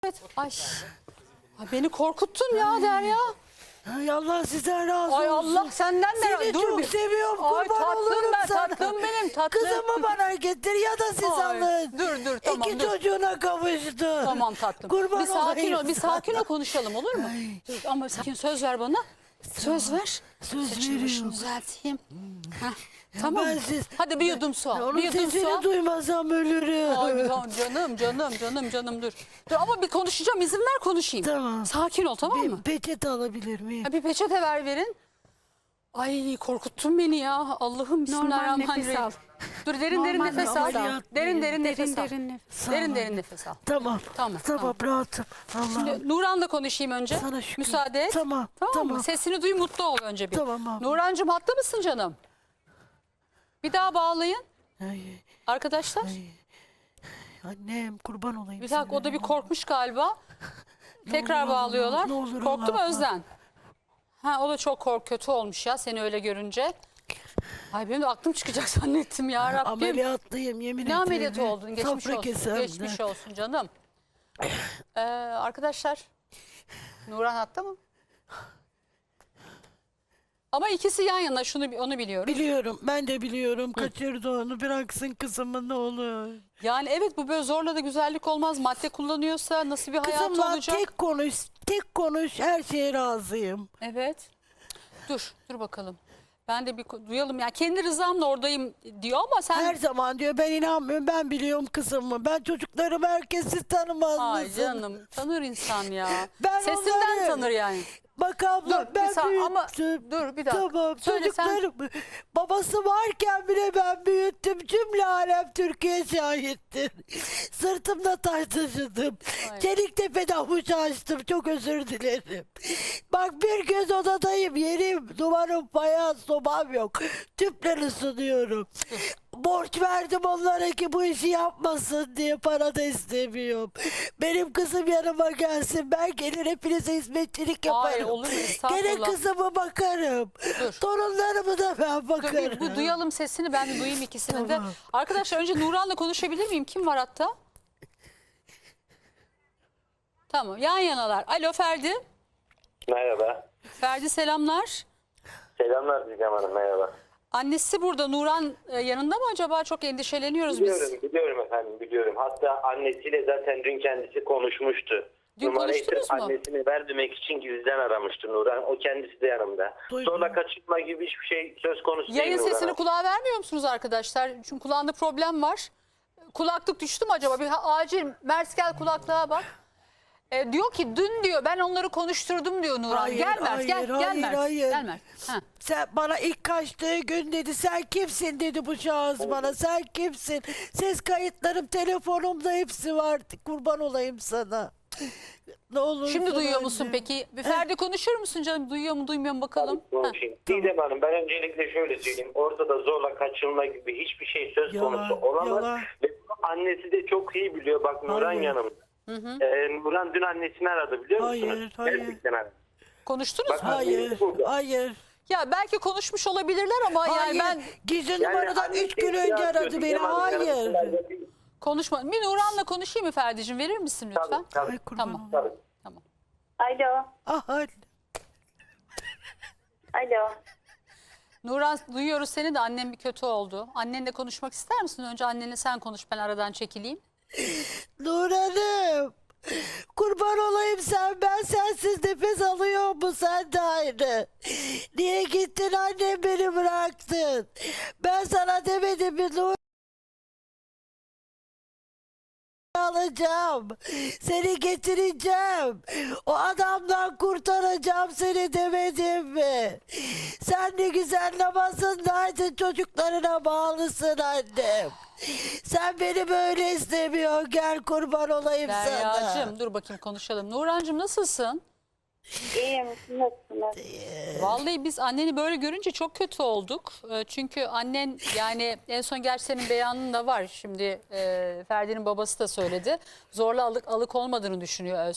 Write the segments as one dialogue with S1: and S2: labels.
S1: Evet. Ay, beni korkuttun ya Derya.
S2: Ay Allah sizden razı olsun.
S1: Ay Allah senden de
S2: Seni çok seviyorum.
S1: Ay
S2: Kurban
S1: tatlım
S2: olurum
S1: ben,
S2: sana.
S1: tatlım benim, tatlım.
S2: Kızımı bana getir ya da siz
S1: Ay,
S2: alın.
S1: dur, tamam,
S2: İki
S1: dur.
S2: çocuğuna kavuştu.
S1: Tamam tatlım.
S2: Kurban
S1: Bir sakin
S2: olayım
S1: ol, bir sakin ol
S2: sana.
S1: konuşalım olur mu? Dur, ama sakin söz ver bana. Söz ver.
S2: Söz
S1: Saçını başını
S2: veriyorum.
S1: düzelteyim. Heh, tamam mı? Hadi bir yudum su al.
S2: Onun
S1: Bir yudum su
S2: sesini
S1: al.
S2: duymasam ölürüm.
S1: Ay, canım dur. Dur ama bir konuşacağım, izin ver konuşayım.
S2: Tamam.
S1: Sakin ol, tamam mı?
S2: Bir peçete alabilir miyim?
S1: Ha, bir peçete verin. Ay korkuttun beni ya. Allah'ım bismillahirrahmanirrahim.
S3: nefes al.
S1: Dur derin
S3: Normal
S1: nefes al.
S2: nefes al.
S1: Derin nefes al.
S3: Derin nefes.
S2: Sağ
S1: Derin
S2: ol.
S1: nefes al.
S2: Tamam.
S1: Tamam.
S2: Rahatım. Allah'ım.
S1: Şimdi Nuran'la konuşayım önce.
S2: Sana şükür.
S1: Müsaade et.
S2: Tamam,
S1: mı?
S2: tamam.
S1: Sesini duy, mutlu ol önce bir.
S2: Tamam abi.
S1: Nurancığım hatta mısın canım? Bir daha bağlayın.
S2: Ay,
S1: Arkadaşlar.
S2: annem kurban olayım
S1: Bir dakika o da bir korkmuş galiba. Tekrar
S2: olur,
S1: bağlıyorlar.
S2: ne olur,
S1: Korktu mu
S2: Allah
S1: Özden? Ha o da çok kötü olmuş ya seni öyle görünce. Ay benim de aklım çıkacak zannettim ya Rabbim.
S2: Ameliyatlıyım yemin ederim.
S1: Ne ameliyatı oldun? Geçmiş
S2: Safra
S1: olsun.
S2: kesemde.
S1: Geçmiş olsun canım. Arkadaşlar Nuran hatta mı? Ama ikisi yan yana onu biliyorum.
S2: Biliyorum ben de biliyorum. Kaçırdı onu, bıraksın kızımı ne olur.
S1: Yani evet bu böyle zorla da güzellik olmaz. Madde kullanıyorsa nasıl bir hayatı
S2: Kızımla
S1: olacak?
S2: tek konuş her şeye razıyım.
S1: Evet. Dur bakalım. Ben de bir duyalım ya. Kendi rızamla oradayım diyor ama sen...
S2: Her zaman diyor ben inanmıyorum, ben biliyorum kızımı. Ben çocuklarımı herkes tanımaz
S1: Ay
S2: mısın?
S1: canım tanır insan ya.
S2: Ben
S1: Sesinden
S2: onları-
S1: tanır yani.
S2: Bak abla
S1: Dur,
S2: ben
S1: bir saniye ama
S2: büyüttüm.
S1: dur bir dakika.
S2: Tamam
S1: Söyle sen.
S2: çocuklarım babası varken bile ben büyüttüm. Cümle alem Türkiye şahittir. Sırtımda taş taşıdım.
S1: Ay.
S2: Çeliktepe'de avuç açtım. Çok özür dilerim. Bak bir göz odadayım. Yerim, duvarım, fayans, sobam yok. Tüple ısınıyorum. Borç verdim onlara ki bu işi yapmasın diye, para da istemiyorum. Benim kızım yanıma gelsin, ben gelir hepinize hizmetçilik yaparım.
S1: Hayır, olur mu? Estağfurullah.
S2: Gene kızıma bakarım.
S1: Dur.
S2: Torunlarımı da ben
S1: Dur
S2: bakarım.
S1: bir duyalım sesini ben de duyayım ikisini de.
S2: Tamam.
S1: Arkadaşlar önce Nuran'la konuşabilir miyim? Kim var hatta? Tamam yan yanalar. Alo Ferdi.
S4: Merhaba.
S1: Ferdi selamlar.
S4: Selamlar Didem Hanım, merhaba.
S1: Annesi burada. Nuran yanında mı acaba? Çok endişeleniyoruz biz.
S4: Biliyorum efendim, biliyorum. Hatta annesiyle zaten dün kendisi konuşmuştu.
S1: Dün
S4: Numarayı
S1: konuştunuz mu?
S4: annesini vermemek için gizliden aramıştı Nuran. O kendisi de yanımda.
S2: Duydum.
S4: Sonra kaçırma gibi hiçbir şey söz konusu değil
S1: Yayın
S4: Nuran
S1: sesini
S4: Hanım.
S1: kulağa vermiyor musunuz arkadaşlar? Çünkü kulağında problem var. Kulaklık düştü mü acaba? Bir acil Mers gel kulaklığa bak. Diyor ki dün diyor ben onları konuşturdum diyor Nuran.
S2: Hayır,
S1: Gel Mert
S2: hayır,
S1: gel
S2: hayır,
S1: Mert.
S2: hayır.
S1: Gel Mert. Ha.
S2: Sen bana ilk kaçtığı gün dedi, sen kimsin dedi bu şahıs bana, sen kimsin? Ses kayıtlarım telefonumda hepsi var, kurban olayım sana. Ne olur.
S1: Şimdi duyuyor musun peki? Bir Ferdi konuşur musun canım? Duyuyor mu duymuyor mu bakalım. Ha.
S4: Konuşayım. Didem Hanım, ben öncelikle şöyle söyleyeyim. Ortada zorla kaçırılma gibi hiçbir şey söz
S2: Yalan,
S4: konusu olamaz.
S2: yalan.
S4: Ve bunu annesi de çok iyi biliyor. Bak Nuran
S2: Hayır.
S4: yanımda. Nuran dün annesini aradı biliyor musunuz?
S2: Hayır.
S4: Gerçekten aradı.
S1: Konuştunuz
S4: Bak,
S1: mu?
S2: Hayır, hayır.
S1: Ya belki konuşmuş olabilirler ama
S2: Hayır,
S1: yani ben
S2: gizli numaradan 3 gün önce aradı beni, hayır.
S1: konuşma. Bir Nuran'la konuşayım mı Ferdi'cim? Verir misin lütfen?
S4: Tabii, tabii.
S2: Ay kurban
S1: Tamam.
S2: olayım.
S4: Tabii.
S1: Tamam.
S3: Alo.
S2: Ah,
S3: Alo.
S1: Nuran duyuyoruz seni de annem bir kötü oldu. Annenle konuşmak ister misin? Önce annenle sen konuş ben aradan çekileyim.
S2: Nurhan'ım. Kurban olayım ben sensiz nefes alıyor mu, sen de aynı. Niye gittin annem, beni bıraktın? Ben sana demedim mi Nur? Alacağım. Seni getireceğim. O adamdan kurtaracağım seni demedim mi? Sen ne güzel namazındaydın, çocuklarına bağlısın annem. Sen beni böyle istemiyorsun, gel kurban olayım sana.
S1: Derya'cığım dur bakayım konuşalım. Nurancığım nasılsın?
S3: İyiyim. Nasılsınız?
S1: Vallahi biz anneni böyle görünce çok kötü olduk. Çünkü annen yani en son gerçi senin beyanın da var. Şimdi Ferdi'nin babası da söyledi. Zorla alık olmadığını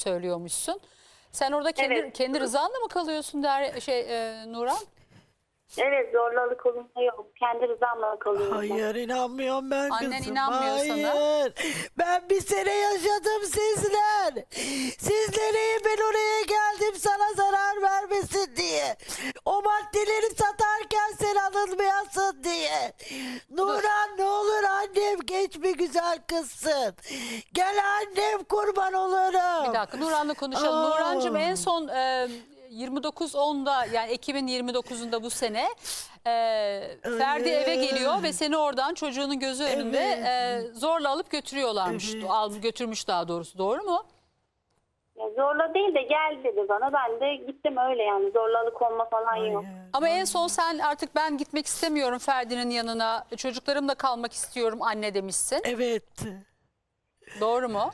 S1: söylüyormuşsun. Sen orada kendi
S3: Evet.
S1: kendi rızanla mı kalıyorsun Nuran?
S3: Evet, zorlalık olumlu yok. Kendi rızamla kalıyorum.
S2: Hayır, inanmıyorum ben
S1: Annen
S2: kızım.
S1: inanmıyor sana.
S2: Hayır. Ben bir sene yaşadım sizler. Sizlere ben oraya geldim sana zarar vermesin diye. O maddeleri satarken sen alınmayasın diye. Nurhan ne olur annem, geç bir güzel kızsın. Gel annem, kurban olurum.
S1: Bir dakika Nurhan'la konuşalım.
S2: Aa.
S1: Nurhan'cığım en son 29.10'da yani Ekim'in 29'unda bu sene Ferdi eve geliyor ve seni oradan çocuğunun gözü önünde zorla alıp götürüyorlarmış. Götürmüş daha doğrusu, doğru mu?
S3: Ya zorla değil de gel dedi bana. Ben de gittim öyle yani. Zorlalık olma falan yok.
S1: Ama en son sen artık ben gitmek istemiyorum Ferdi'nin yanına, çocuklarımla kalmak istiyorum anne demişsin.
S2: Evet.
S1: Doğru mu?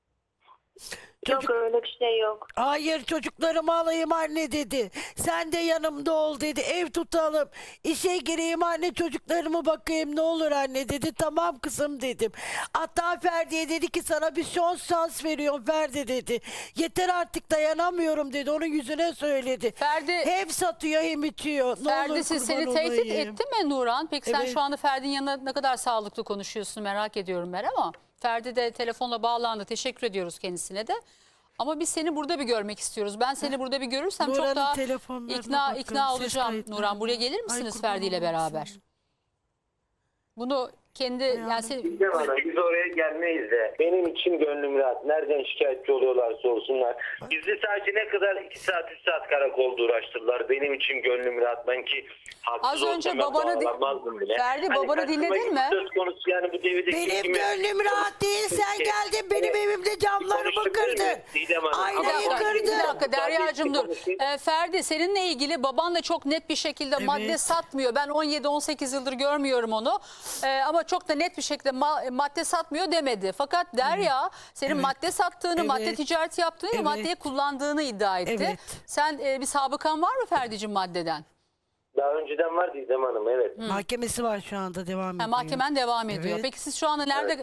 S2: Çocuk-
S3: Yok, öyle bir şey yok.
S2: Hayır, çocuklarımı alayım anne dedi. Sen de yanımda ol dedi. Ev tutalım. İşe gireyim anne, çocuklarımı bakayım ne olur anne dedi. Tamam kızım dedim. Hatta Ferdi'ye dedi ki sana bir şans veriyorum Ferdi dedi. Yeter artık, dayanamıyorum dedi. Onun yüzüne söyledi.
S1: Ferdi-
S2: hem satıyor hem içiyor. Ne
S1: Ferdi
S2: olur
S1: siz
S2: kurban
S1: seni tehdit
S2: olayım.
S1: etti mi Nurhan? Peki sen
S2: Evet.
S1: şu anda Ferdi'nin yanına ne kadar sağlıklı konuşuyorsun merak ediyorum ben ama. Ferdi de telefonla bağlandı. Teşekkür ediyoruz kendisine de. Ama biz seni burada bir görmek istiyoruz. Ben seni burada bir görürsem çok
S2: Nurhan'ın
S1: daha
S2: telefonlarına bakın,
S1: ikna
S2: ses
S1: olacağım.
S2: kayıtlarına.
S1: Nurhan buraya gelir
S2: Ay,
S1: misiniz
S2: kurban
S1: Ferdi ile
S2: olayım
S1: beraber?
S2: sana.
S1: Bunu kendi yani
S4: Gidem ana, biz oraya gelmeyiz de. Benim için gönlüm rahat. Nereden şikayetçi oluyorlarsa olsunlar. Bizi sadece ne kadar 2 saat 3 saat karakolda uğraştırdılar. Benim için gönlüm rahat. Ben ki haksız
S1: Az önce
S4: olsam ben
S1: babanı
S4: bağlanmazdım bile.
S1: Ferdi, babanı
S4: kaçırma
S1: dinledin
S4: gibi
S1: mi?
S4: Söz konusu yani bu devirde
S2: Benim
S4: kimi-
S2: gönlüm rahat değil. Sen geldin benim evimde camlarımı
S4: konuşabilir
S2: kırdın.
S4: miyim? Didem Hanım,
S2: Aynayı
S4: ama-
S2: kırdın.
S1: Bir dakika Derya'cığım dur.
S4: Konuşayım.
S1: Ferdi seninle ilgili baban da çok net bir şekilde madde satmıyor. Ben 17-18 yıldır görmüyorum onu. Ama çok da net bir şekilde madde satmıyor demedi. Fakat Derya senin madde sattığını,
S2: Evet.
S1: madde ticareti yaptığını ve
S2: Evet.
S1: maddeyi kullandığını iddia etti.
S2: Evet.
S1: Sen bir sabıkan var mı Ferdi'cim maddeden?
S4: Daha önceden var Didem Hanım, evet.
S2: Mahkemesi var şu anda, devam ediyor.
S1: Mahkemen devam ediyor.
S2: Evet.
S1: Peki siz şu anda nerede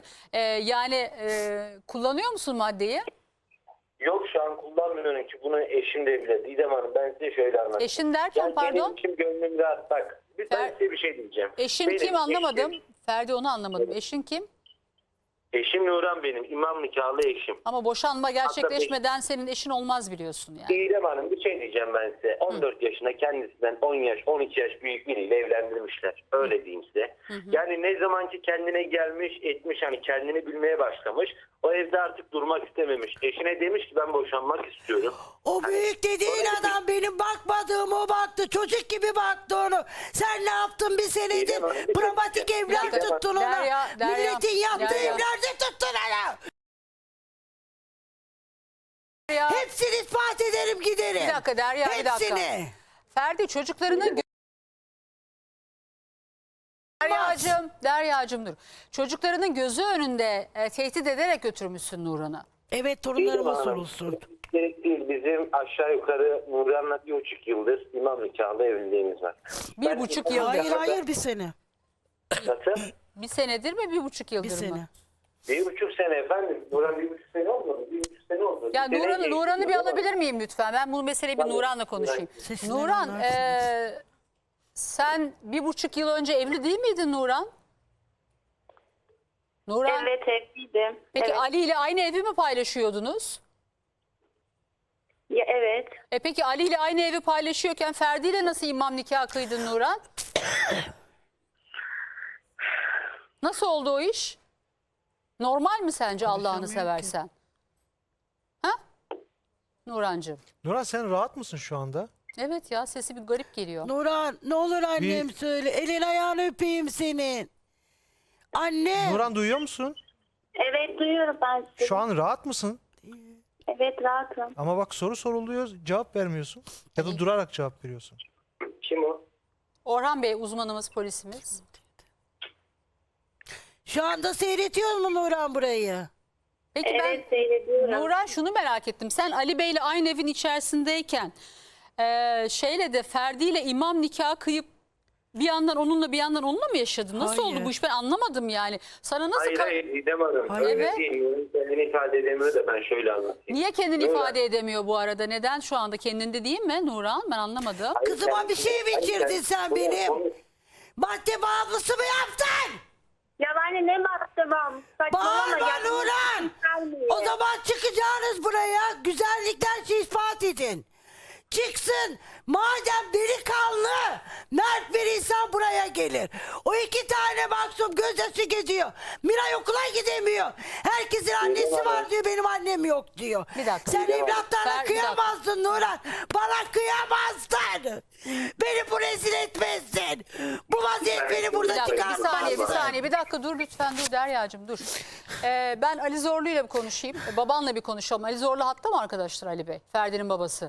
S1: kullanıyor musun maddeyi?
S4: Yok, şu an kullanmıyorum ki bunu eşim de bile. Didem Hanım, ben size şöyle anlatayım.
S1: Eşin derken
S4: Yani
S1: pardon?
S4: benim için gönlüm rahat. Bak, ben size bir şey diyeceğim.
S1: Eşin
S4: Benim
S1: kim anlamadım.
S4: Eşim,
S1: Ferdi onu anlamadım. Eşin kim?
S4: eşim Nurhan benim. İmam nikahlı eşim.
S1: Ama boşanma gerçekleşmeden senin eşin olmaz biliyorsun yani.
S4: Didem Hanım, bir şey diyeceğim ben size. 14 yaşında kendisinden 10 yaş, 12 yaş büyük biriyle evlendirmişler. Öyle diyeyim size. Yani ne zamanki kendine gelmiş, etmiş, hani kendini bilmeye başlamış. O evde artık durmak istememiş. Eşine demiş ki ben boşanmak istiyorum.
S2: O büyük dediğin
S4: Sonra-
S2: adam benim bakmadığım o baktı. Çocuk gibi baktı onu. Sen ne yaptın bir senedir?
S4: Didem Hanım, bir
S2: Pramatik
S4: dakika.
S2: evler
S4: Didem Hanım.
S2: tuttun ona.
S1: Derya,
S2: Milletin yaptığı
S1: Derya.
S2: evlerde tuttun ona.
S1: Ya,
S2: Hepsini ispat ederim, giderim.
S1: bir dakika Derya, bir dakika.
S2: Hepsini.
S1: Ferdi çocuklarının Derya'cığım dur. Çocuklarının gözü önünde tehdit ederek götürmüşsün Nurhan'ı.
S2: Evet,
S4: Didem
S2: torunlarıma
S4: Hanım,
S2: sorulsun.
S4: Gerek değil. Bizim aşağı yukarı Nurhan'la 1,5 yıldır imam nikahlı evliliğimiz var.
S1: 1,5 yıldır.
S2: Hayır, bir sene.
S4: Nasıl?
S1: Bir senedir mi 1,5 yıldır
S2: Bir
S1: mı?
S2: sene.
S4: 1,5 sene efendim. Nurhan 1,5 sene olmadı. 1,5 sene oldu.
S1: Ya
S4: Bir sene geçti.
S1: Nurhan'ı bir alabilir miyim lütfen? Ben bu meseleyi bir
S4: Tabii.
S1: Nurhan'la konuşayım.
S2: Sesini
S1: Nurhan
S2: anlarsınız.
S1: sen 1,5 yıl önce evli değil miydin Nurhan? Nurhan.
S3: Evet, evliydim.
S1: Peki
S3: Evet.
S1: Ali ile aynı evi mi paylaşıyordunuz?
S3: Ya, evet.
S1: Peki Ali ile aynı evi paylaşıyorken Ferdi ile nasıl imam nikahı kıydın Nurhan? Nasıl oldu o iş? Normal mi sence Allah'ını
S2: Konuşamıyorum ki.
S1: seversen? Ha? Nurhancığım.
S5: Nurhan sen rahat mısın şu anda?
S1: Evet ya sesi bir garip geliyor.
S2: Nurhan, ne olur annem söyle. Elin ayağını öpeyim senin. Anne.
S5: Nurhan duyuyor musun?
S3: Evet, duyuyorum ben sizi.
S5: Şu an rahat mısın?
S3: Evet, rahatım.
S5: Ama bak soru soruluyor cevap vermiyorsun. Ya da durarak cevap veriyorsun.
S4: Kim o?
S1: Orhan Bey uzmanımız, polisimiz.
S2: Şu anda seyrediyor mu Nurhan burayı?
S1: Peki
S3: Evet, seyrediyorum.
S1: Nurhan şunu merak ettim. Sen Ali Bey'le aynı evin içerisindeyken şeyle de Ferdi ile imam nikahı kıyıp bir yandan onunla bir yandan onunla mı yaşadın? Nasıl oldu
S2: Hayır.
S1: bu iş? Ben anlamadım yani. Sana nasıl
S4: Hayır Didem Hanım.
S2: Hayır.
S4: Öyle
S1: Evet.
S4: değil. Kendini ifade edemiyor da ben şöyle anlatayım.
S1: Niye kendini
S4: Öyle.
S1: ifade edemiyor bu arada? Neden şu anda kendinde değil mi Nuran? Ben anlamadım.
S4: Hayır,
S2: Kızıma bir şey mi
S4: Hayır,
S2: içirdin sen benim?
S4: Onu-
S2: Madde bağımlısı mı yaptın?
S3: Ya anne ne baktım?
S2: Bağırma Nuran. O zaman çıkacağınız buraya güzellikler ispat edin. Çıksın. Madem delikanlı, mert bir insan buraya gelir. O 2 tane maksum gözyaşı geziyor. Miray okula gidemiyor. Herkesin annesi var diyor, benim annem yok diyor.
S1: Bir dakika.
S2: Sen evlatlarına
S1: Bir dakika.
S2: kıyamazdın Nuran. Bana kıyamazdın. Beni bu rezil etmezdin. Bu vaziyet beni burada
S1: Bir dakika, bir saniye, bir
S2: çıkartmaz.
S1: saniye. Bir dakika dur lütfen, dur Derya'cığım dur. Ben Ali Zorlu ile bir konuşayım. Babanla bir konuşalım. Ali Zorlu hatta mı arkadaşlar Ali Bey? Ferdi'nin babası.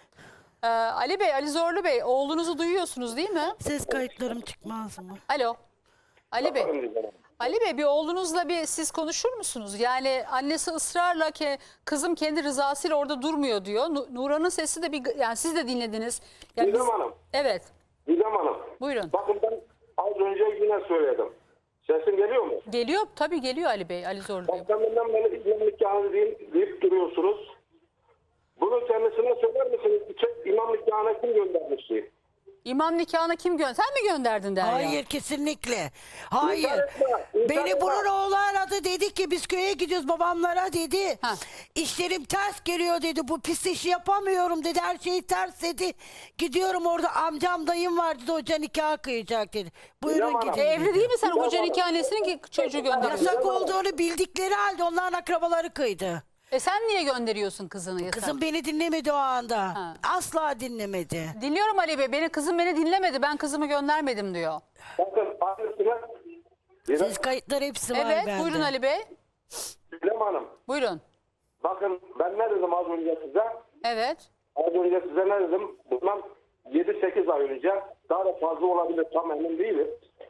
S1: Ali Bey, Ali Zorlu Bey, oğlunuzu duyuyorsunuz değil mi?
S2: Ses kayıtlarım çıkmaz mı?
S1: Alo. Ali Bey.
S4: Bakalım Didem Hanım.
S1: Ali Bey, bir oğlunuzla bir siz konuşur musunuz? Yani annesi ısrarla ki kızım kendi rızasıyla orada durmuyor diyor. Nuran'ın sesi de bir, yani siz de dinlediniz. Yani
S6: Didem Hanım,
S1: Evet.
S6: Didem Hanım.
S1: Buyurun.
S6: Bakın ben az önce yine söyledim. Sesim geliyor mu?
S1: Geliyor, tabii geliyor Ali Bey, Ali Zorlu Bey.
S6: Bakkanından beni İmam nikahı deyip duruyorsunuz. Bunu kendisine söyler misiniz? İmam nikahına kim göndermişti?
S1: İmam nikahına kim gönder? Sen mi gönderdin Derya?
S2: Hayır, kesinlikle. Hayır.
S6: İnkar etme, inkar
S2: Beni
S6: etme.
S2: bunun oğlu aradı, dedi ki biz köye gidiyoruz babamlara dedi.
S1: Ha.
S2: İşlerim ters geliyor dedi. Bu pis işi yapamıyorum dedi. Her şey ters dedi. Gidiyorum, orada amcam dayım var dedi. Hoca nikah kıyacak dedi. Buyurun
S6: Hanım.
S2: gidin.
S1: Evli
S2: dedi.
S1: değil mi sen
S6: Didem
S1: hoca
S6: Hanım.
S1: nikahnesinin ki çocuğu gönderiyorsun?
S2: Yasak olduğunu bildikleri halde onların akrabaları kıydı.
S1: Sen niye gönderiyorsun kızını? yasak?
S2: Kızım beni dinlemedi o anda.
S1: Ha.
S2: Asla dinlemedi.
S1: Dinliyorum Ali Bey. Kızım beni dinlemedi. Ben kızımı göndermedim diyor.
S6: Bakın annesine Didem,
S2: Ses kayıtları hepsi var
S1: Evet,
S2: bende.
S1: buyurun Ali Bey.
S6: Didem Hanım.
S1: Buyurun.
S6: Bakın ben ne dedim az önce size?
S1: Evet.
S6: Az önce size ne dedim? Bundan 7-8 ay önce, daha da fazla olabilir, tam emin değilim.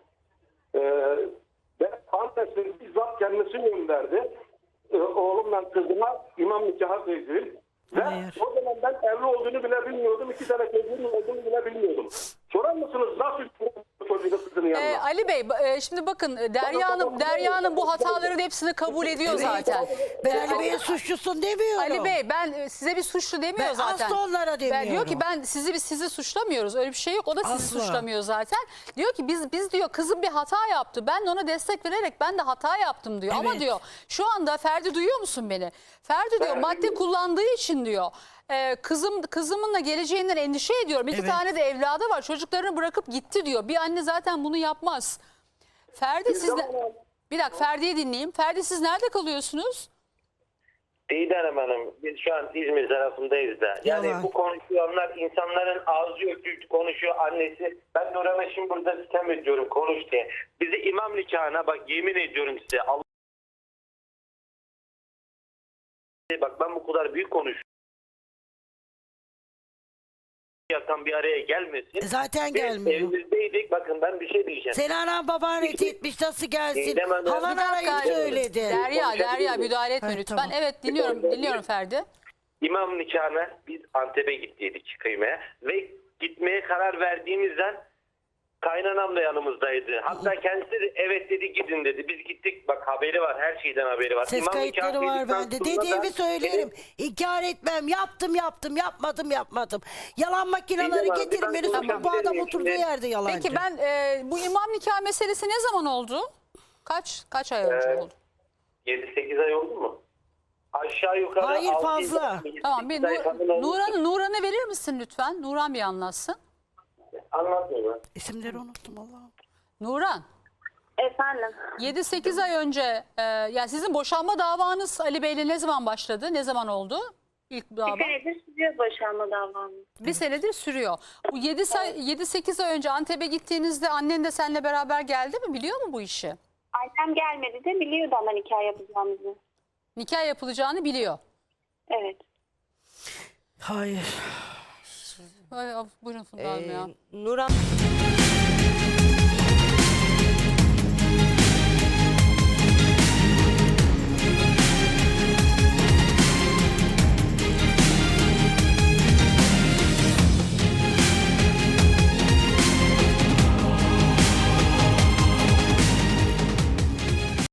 S6: Ben annesi bizzat kendisi gönderdi. Oğlumla kızıma imam nikahı kıydı. Ve
S2: Hayır.
S6: o zaman ben evli olduğunu bile bilmiyordum. 2 tane çocuğum olduğunu bile bilmiyordum. Sorar mısınız nasıl çocuğu kızının yanına?
S1: Ali Bey, şimdi bakın Derya Hanım bu hataların hepsini kabul ediyor zaten.
S2: Ben Ali Bey'in suçlusun demiyorum.
S1: Ali Bey, ben size bir suçlu demiyor
S2: Ben
S1: zaten.
S2: asla onlara demiyorum.
S1: Ben diyor ki ben sizi suçlamıyoruz. Öyle bir şey yok. O da sizi
S2: Asla.
S1: suçlamıyor zaten. Diyor ki biz diyor kızım bir hata yaptı. Ben de ona destek vererek ben de hata yaptım diyor. Ama
S2: Evet.
S1: diyor şu anda Ferdi duyuyor musun beni? Ferdi diyor madde kullandığı için diyor. Kızımınla geleceğinden endişe ediyorum. 2
S2: Evet.
S1: tane de evladı var. Çocuklarını bırakıp gitti diyor. Bir anne zaten bunu yapmaz. Ferdi siz bir dakika Ferdi'yi dinleyeyim. Ferdi siz nerede kalıyorsunuz?
S4: Didem Hanım, biz şu an İzmir tarafındayız da. Yani
S2: Yalan.
S4: bu konuşulanlar insanların ağzı öpüp konuşuyor annesi. Ben Nurhan'a şimdi burada sitem ediyorum konuş diye. Bizi imam nikahına bak yemin ediyorum size. Allah... Bak ben bu kadar büyük konuşuyorum. Yakan bir araya gelmesin.
S2: Zaten
S4: Biz
S2: gelmiyor.
S4: evimizdeydik. Bakın ben bir şey diyeceğim.
S2: Seni anan baban ret etmiş, nasıl gelsin?
S4: Didem Hanım.
S2: Halan
S1: Bir dakika,
S2: arayıp söyledi.
S1: Derya müdahale etme
S2: Hayır,
S1: lütfen.
S2: tamam.
S1: Evet dinliyorum Ferdi.
S4: İmam nikahına biz Antep'e gittiydik kıymaya ve gitmeye karar verdiğimizden kaynanam da yanımızdaydı. Hatta kendisi de evet dedi gidin dedi. Biz gittik bak haberi var, her şeyden haberi var.
S2: Ses
S4: İmam
S2: kayıtları
S4: nikahı
S2: var
S4: dedikten
S2: bende.
S4: sonra da
S2: Dediğimi söylerim. İnkar etmem. Yaptım, yapmadım. Yalan makineleri
S4: Didem Hanım,
S2: getirin, beni
S4: ben
S2: sokun. Bu adam
S4: konuşabilir
S2: oturduğu
S4: miyim?
S2: yerde yalancı.
S1: Peki ben bu imam nikah meselesi ne zaman oldu? Kaç ay önce oldu?
S4: 7-8 ay oldu mu? Aşağı yukarı
S2: Hayır,
S4: 6-7
S2: fazla.
S4: ay, 7-8
S1: Tamam bir
S4: ay falan olmuştur.
S1: Nuran'ı verir misin lütfen? Nuran bir anlatsın.
S4: Anlatmıyorum.
S2: İsimleri unuttum Allah'ım.
S1: Nuran
S3: Efendim.
S1: 7-8 ay önce yani sizin boşanma davanız Ali Bey'le ne zaman başladı? Ne zaman oldu? İlk
S3: Bir
S1: dava.
S3: senedir sürüyor boşanma davamız.
S1: Bir senedir sürüyor. Bu 7-8 ay önce Antep'e gittiğinizde annen de seninle beraber geldi mi? Biliyor mu bu işi?
S3: Annem gelmedi de biliyordu ama nikah yapacağımızı.
S1: Nikah yapılacağını biliyor.
S3: Evet.
S2: Hayır.
S1: Buyurun Funda Hanım ya.
S7: Nuran